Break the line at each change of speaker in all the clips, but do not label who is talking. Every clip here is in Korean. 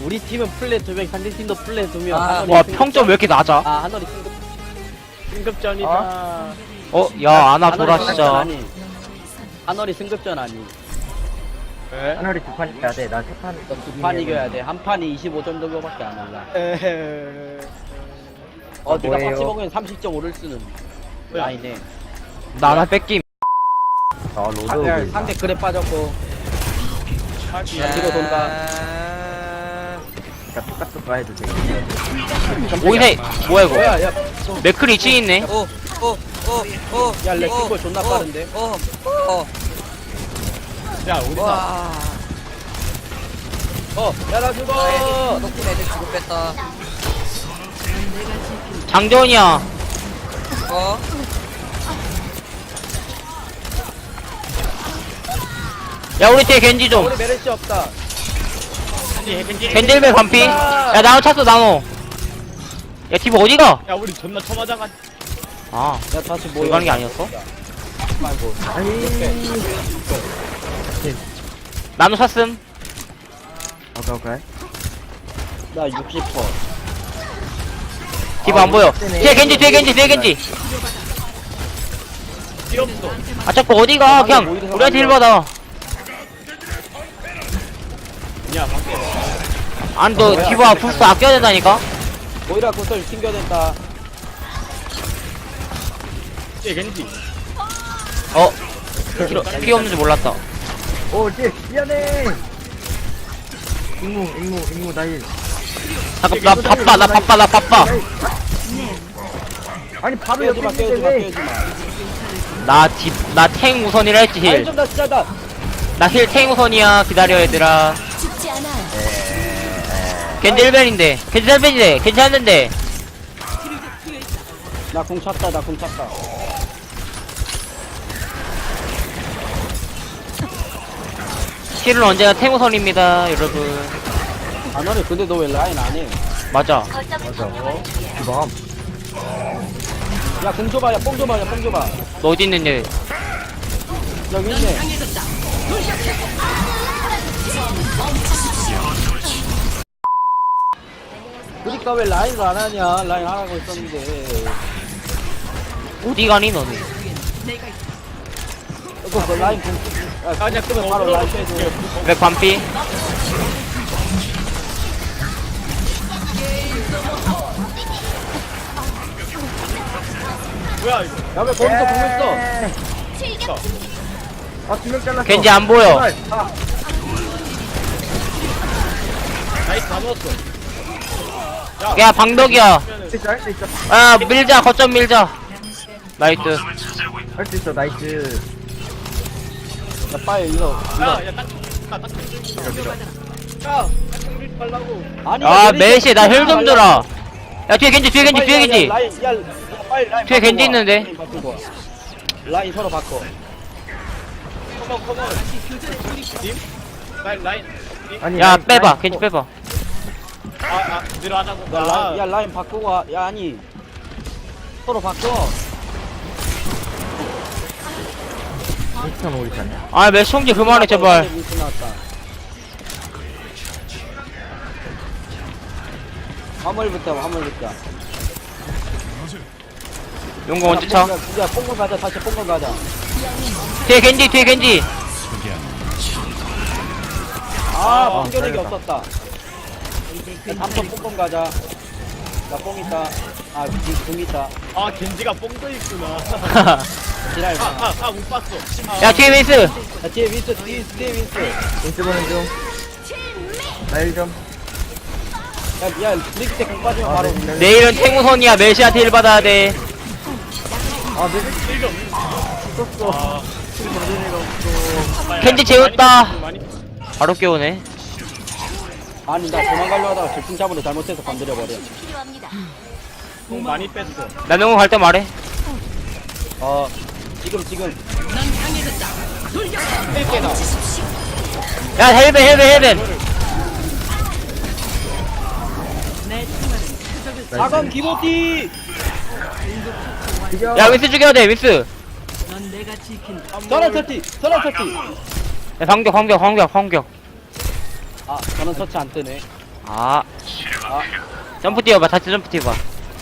우리 팀은 플레 2명, 상대팀도 플레 2명.
아,
와 평점 왜 이렇게 낮아?
아, 하늘이 승급전이다.
야 아나 돌아 진짜.
하늘이 승급전 아니.
왜?
하늘이 두 판 이겨야 돼. 나 세 판.
두 판 이겨야 돼. 한 판이 25점 정도밖에 안 올라. 네가
뭐예요?
같이 먹으면 30점 오를 수는 라인에.
나 하나 뺏김.
아, 로드.
상대 그래 빠졌고. 야, 뒤로 돈다.
그러니까 똑같은 거 해도 돼.
오이세 뭐야 이거?
뭐야, 야,
맥클이 2층 있네.
야, 렉킹볼 존나 빠른데.
야 우리 다
와. 야, 나 죽어!
높은 애들 주고 뺐다.
장전이야. 야 우리 뒤에 겐지 좀.
우리 메르시 없다.
겐질벨 반피. 야 나노 찼어 나노. 야 팀 어디가?
야 우리 존나 처맞아가.
아
야, 다시
여기
모여.
가는 게 아니었어?
말고.
나노 찼음.
오케이.
나 60%.
디바 안 보여. 뒤에 겐지 뒤에 겐지 뒤에 겐지.
필요 없어.
아 자꾸 어디가? 그냥 우리한테 힐 받아.
야 밖에.
아니 너 디바 부스 아껴야 된다니까?
모이라 구슬 튕겨낸다.
얘 겐지.
어? 피 없는지 몰랐다.
오, 미안해. 임무, 나일.
잠깐 나 바빠.
아니, 바로
깨우지
옆에
마, 깨우지 마,
있는데
깨우지 마.
나 탱 우선이라 했지
아니,
힐.
좀 더 진짜다.
나 힐 탱 우선이야. 기다려 얘들아.
죽지 않아.
겐지 1벤인데. 겐지 1벤인데. 괜찮은데.
나 공 찼다, 나 공 찼다.
힐은 언제나 탱 우선입니다 여러분.
아, 너네 근데 너 왜 라인 안 해?
맞아.
주방.
야, 공 줘봐, 야, 뽕 줘봐, 야, 뽕 줘봐.
너 어디 있는데?
여기 있네. 그니까 왜 라인을 안 하냐? 라인 하라고 했었는데.
어디 가니 너는?
그 라인 공, 야,
아니야
그러면 바로 라인 빼줘.
맥 반피.
뭐야 이거?
야, 왜 거기서 공 있어?
아, 2명 잘랐어.
겐지 안 보여.
나이스 다 넣었어.
야 방덕이야.
할수 있어.
아 밀자 거점 밀자. 나이스.
할 수 있어, 나이스.
야, 빨리 일로.
야야 딱. 야 밀지 말라고.
아니,
아 메시 나 힐 좀 줘라. 야 뒤에 겐지 뒤에 겐지 뒤에
야,
겐지.
라인, 야, 빨리 라인
뒤에
바꾸고
겐지
와.
있는데.
라인 바꾸고 와. 라인 서로 바꿔.
컴온. 님? 라인.
아니,
야
라인,
빼봐
라인
겐지
또-
빼봐.
내려하자고.
야, 라인 바꾸고 와. 야, 아니. 서로 바꿔.
인스턴 오리잖아.
아 메시 홍지 그만해 제발.
민수 나왔다. 화물부터.
용거 언제 차?
야, 뽕건 가자. 다시 뽕건 가자.
뒤에 겐지.
아, 뽕겨내기
잘했다.
없었다. 잠깐 뽕건 가자. 나 뽕 있다. 아, 공 있다.
아 겐지가 뽕도 있구나.
지랄.
못 봤어.
야 뒤에 메이스.
야, 뒤에 윈스, 뒤에 윈스.
인스 보는 중. 나일 좀.
야, 브리기 때공 빠지면 바로.
네.
내일은 탱 우선이야. 메시한테 힐 받아야 돼.
아, 내일 있었어.
겐지 재웠다. 바로 깨우네.
아니, 나 도망가려 하다가 질풍 잡으려 잘못해서 건드려버려.
필요합니다.
공 많이 뺐어.
나 용거 갈 때 말해.
지금.
야 헬벤.
사건 기모티!
죽여.
야 위스 죽여야 돼 위스.
전원 터치!
야, 반격.
아, 전원 터치 안 뜨네.
아. 점프 뛰어봐, 다시 점프 뛰어봐.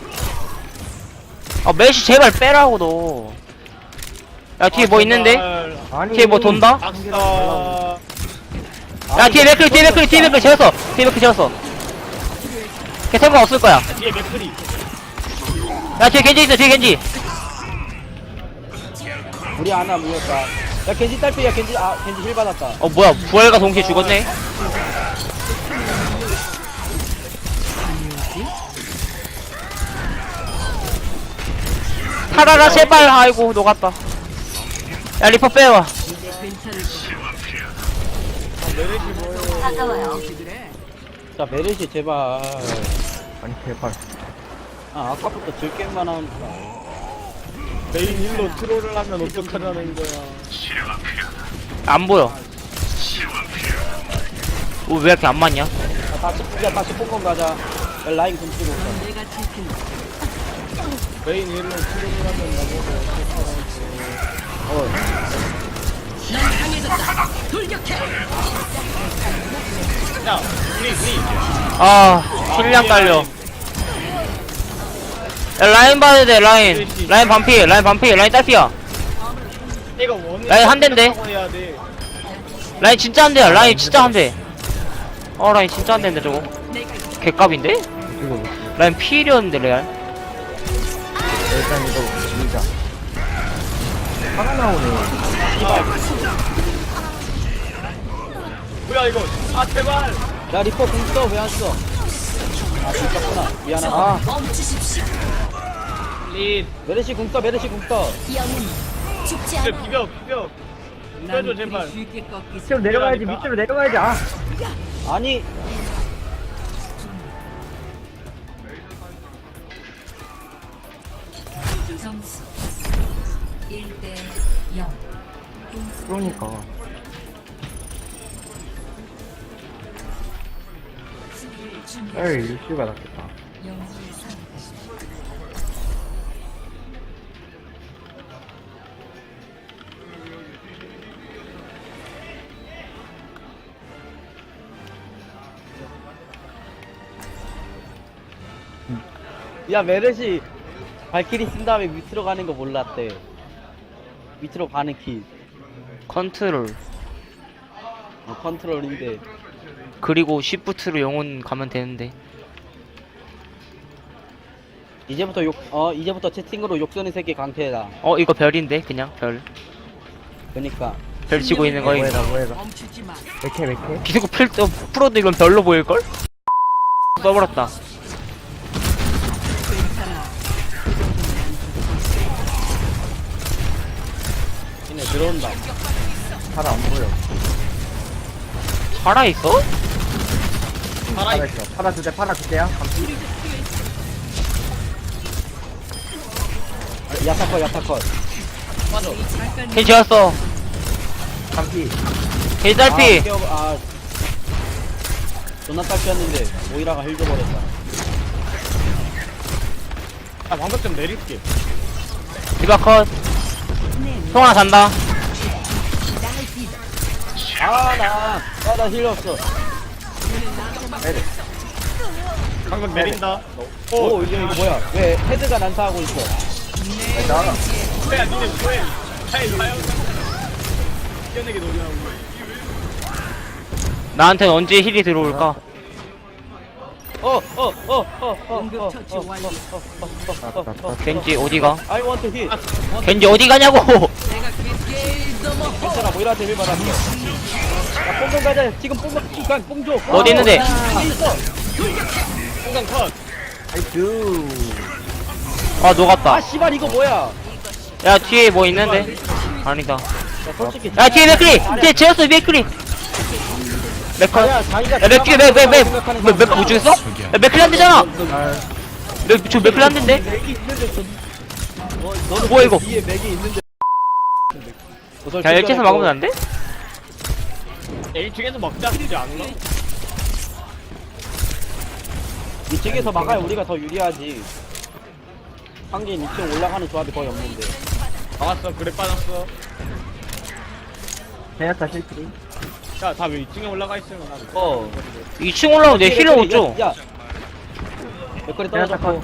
아, 메시 제발 빼라고, 너. 야, 뒤에 뭐 있는데?
아니.
뒤에 뭐 돈다?
악사.
야, 뒤에 맥클 재웠어. 뒤에 맥클 재웠어. 걔 생각 없을 거야.
뒤에 맥크리.
야, 뒤에 겐지 있어, 뒤에 겐지.
우리 하나 모였다. 야 겐지 딸피야 겐지 겐지 힐 받았다.
어, 뭐야, 부활과 동시에 죽었네? 타라라, 제발. 아이고, 녹았다. 야, 리퍼 빼와.
메르시 뭐예요?
가까워요.
자 메르시 제발.
아니, 제발.
아 아까부터 들게만 하니까.
메인 힐로 트롤을 하면 어떡하자는 거야.
안 보여. 오, 왜 이렇게 안 맞냐?
다시 뽕건 가자. 야, 라인 금 쓰고 있어.
메인 힐로 트롤을 하면 나보고 야, 우리.
아, 힐량 깔려. 야, 라인 봐야 돼, 라인. 라인 반피, 라인 딸피야.
이거 원인.
라인 한 대인데?
해야 돼.
라인 진짜 한 대야, 라인 진짜 한 대. 라인 진짜 한 대인데, 저거. 개값인데?
이거,
라인 필이었는데, 레알.
일단 이거 밀자. 화가 나오네.
뭐야 이거? 아 제발.
야 리퍼 공 써 왜 안 써? 아 진짜구나. 미안하다.
아,
릿.
메르시 공 써.
영웅 죽지 않아.
비벼. 비벼줘 제발.
밑으로 내려가야지, 밑으로 내려가야지. 아,
아니
점수 1대 0.
그러니까. 에이, 이슈가 낫겠다.
야 메르시 발키리 쓴 다음에 밑으로 가는 거 몰랐대. 밑으로 가는 키.
컨트롤.
컨트롤인데.
그리고 시프트로 영혼 가면 되는데.
이제부터 채팅으로 욕 쓰는 새끼 강태다.
이거 별인데, 그냥, 별.
그니까.
별 치고 있는 거, 이거.
뭐해라. 맥해.
비스코 풀어도 이건 별로 보일걸? 써버렸다.
얘네 들어온다.
잘 안 보여.
살아있어?
팔아있어. 팔아줄게요.
야타컷.
겐지 지웠어.
감피.
겐지 딸피.
존나 딸피였는데 오이라가 힐 줘버렸다.
아 방금 좀 내릴게.
디바컷. 송하나 잔다.
나 힐 없어.
방금 내린다.
오, 이거 뭐야? 왜 헤드가 난사하고 있어?
나가.
뭐야 니네 뭐해? 아이 가요. 뛰어내기 노리하고.
나한텐 언제 힐이 들어올까? 겐지 어디가?
I want to hit.
겐지 어디 가냐고?
괜찮아, 모이라한테 힐 받았어. 야, 뽕좀 가자. 지금 뽕 줘.
어디 있는데?
있어.
공간 컷.
아이쿠.
아, 녹았다.
씨발 이거 뭐야?
야, 뒤에 뭐 있는데? 아니다.
야, 솔직히.
야, 뒤에 맥크리! 뒤에 제어스 맥크리! 맥커. 야, 맥크리, 맥크 못 죽였어? 야, 맥크리 안 되잖아! 저 맥크리 안 된대?
맥이 있는데
뭐야, 이거?
뒤에 맥이 있는데.
야, 이렇게 해서 막으면 안 돼?
1층에서 막자 되지 않나?
2층에서 막아야 우리가 더 유리하지. 상계인 2층 올라가는 조합이 거의 없는데.
나왔어 그래 빠졌어.
제냐타 실패.
야다 왜 2층에 올라가 있으면 나.
2층 올라오면 내 힐을 못 줘.
야 맥거리 떨어졌고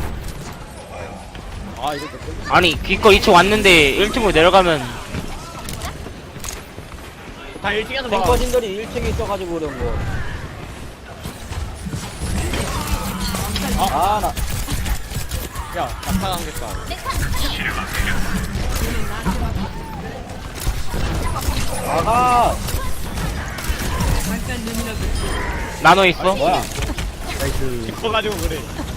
아 이거
아니 기껏 2층 왔는데 1층으로 내려가면
다 1층에서 봐.
탱커진들이 1층에 있어가지고 그런 거. 나
야 나타나겠다.
나가.
나눠 있어.
뭐야?
커가지고 그래.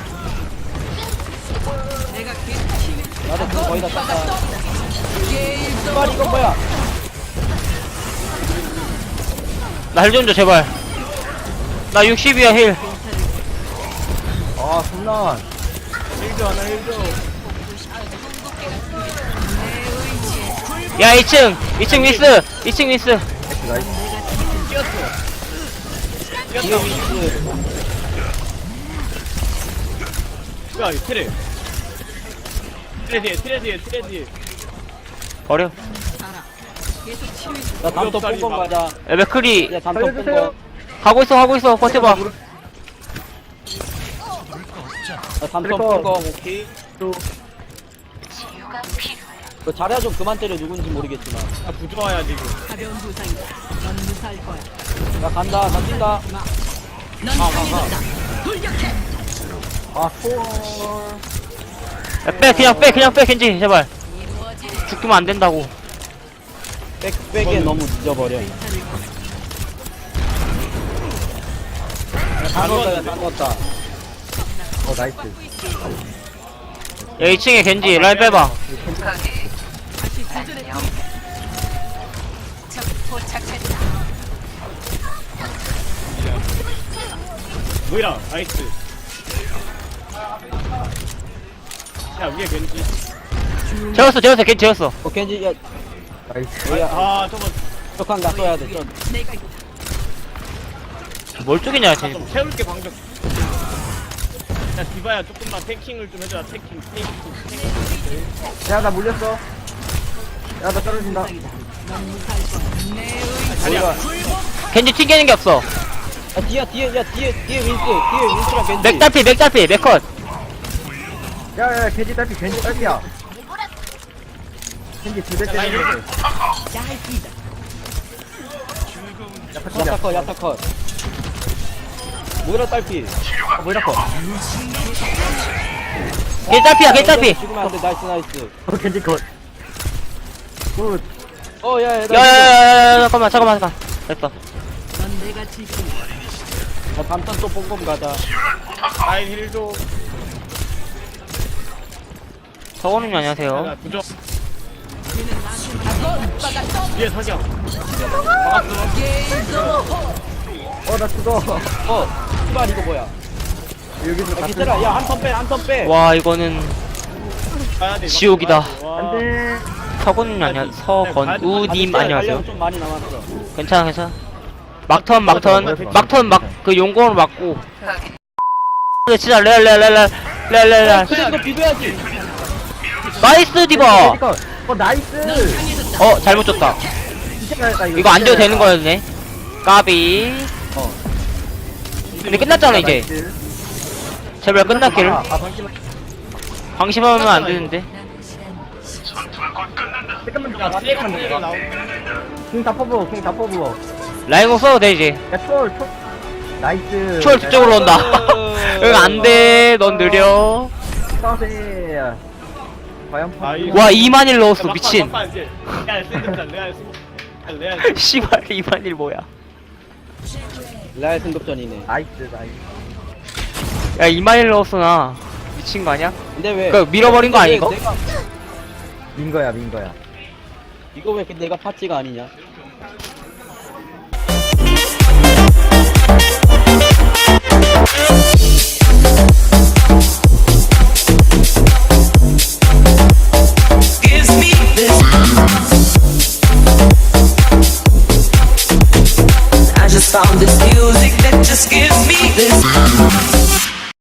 나도 그거 거의 다 땄다. 씨발 이건 뭐야?
나 힐 좀 줘 제발. 나 60이야 힐.
아 손난.
힐도 하나 힐도.
야 2층 미스. 2층 미스.
나이스.
뒤에 위치.
야 이 트레. 트레 뒤에.
버려.
나 담터 뽕검 가자.
야 맥크리
야 담터
살려주세요.
뽕검.
하고 있어 버텨봐.
나 담터
트래커.
뽕검 오케이. 그 자리야 좀 그만 때려 누군지 모르겠지만.
아 부조화야 지금.
가벼운 부상이다. 넌 무사할 거야.
나 간다. 나 뛴다.
넌 강해졌다. 돌격해.
아 초월.
야, 그냥 빼 겐지 제발. 죽으면 안 된다고.
백에 너무 늦어버려. 다 넣었다. 다 넣었다.
나이스.
야 2층에 겐지 라인 빼봐.
다시 도전해. 적 도착했다.
뭐야 나이스. 야 위에 겐지.
재웠어 겐지 재웠어.
겐지 야
나이스.
뭐야?
아 저거
쪽한 가 써야 돼. 좀.
내가 있다.
뭘 쪼개냐 쟤.
좀 채울게 방금. 야 디바야 조금만 탱킹을 좀 해줘라. 탱킹.
야나 물렸어. 야 나 떨어진다.
넌 무사할 거야. 내 의.
자리야.
겐지 튕기는 게 없어.
뒤에 윈스랑 겐지.
맥달피 맥컷.
야야 겐지 딸피야. 겐지 두대 때리는데.
야타컷. 모이라 딸피.
뭐이라 거.
겐지 딸피.
죽으면 안 돼. 나이스.
겐지 컷. 굿.
야야야야 잠깐만 됐어.
넌 내가 지킨다.
나 담턴 또 뽕검 가자.
라인 힐도.
서원님 안녕하세요.
야 부조. 뒤에 석양.
나 죽어.
씨발 이거 뭐야?
여기서
야
같은.
기다려. 야 한 턴 빼.
와 이거는
가야 돼.
지옥이다.
와.
안돼.
서건님 서건우님 안녕하세요.
좀 많이 남았어.
괜찮아. 막턴 그 용공으로 막고. 근데 진짜 레알.
그래 이거 비벼야지.
나이스 디바.
나이스.
잘못 줬다.
진짜 잘했다
이거 안 줘도 되는 거였네. 까비. 근데 끝났잖아 이제.
나이스.
제발 끝났기를.
방심만.
방심하면 안 되는데.
잠깐만.
야 트레이만 나오.
킹다 퍼부어.
라인공 써도 돼 이제.
야 초월. 나이스.
초월 뒤쪽으로 온다. 응 안돼. 넌 느려.
싸세. 과연
나이스.
와 2만일 넣었어 미친.
레알 승급전 레알.
씨발 2만일 뭐야.
라이 승급전이네.
나이스.
야 2만일 넣었어 나. 미친 거 아니야?
근데 왜?
그거 밀어버린 거 아니고?
민 거야.
이거 왜 내가 파찌가 아니냐?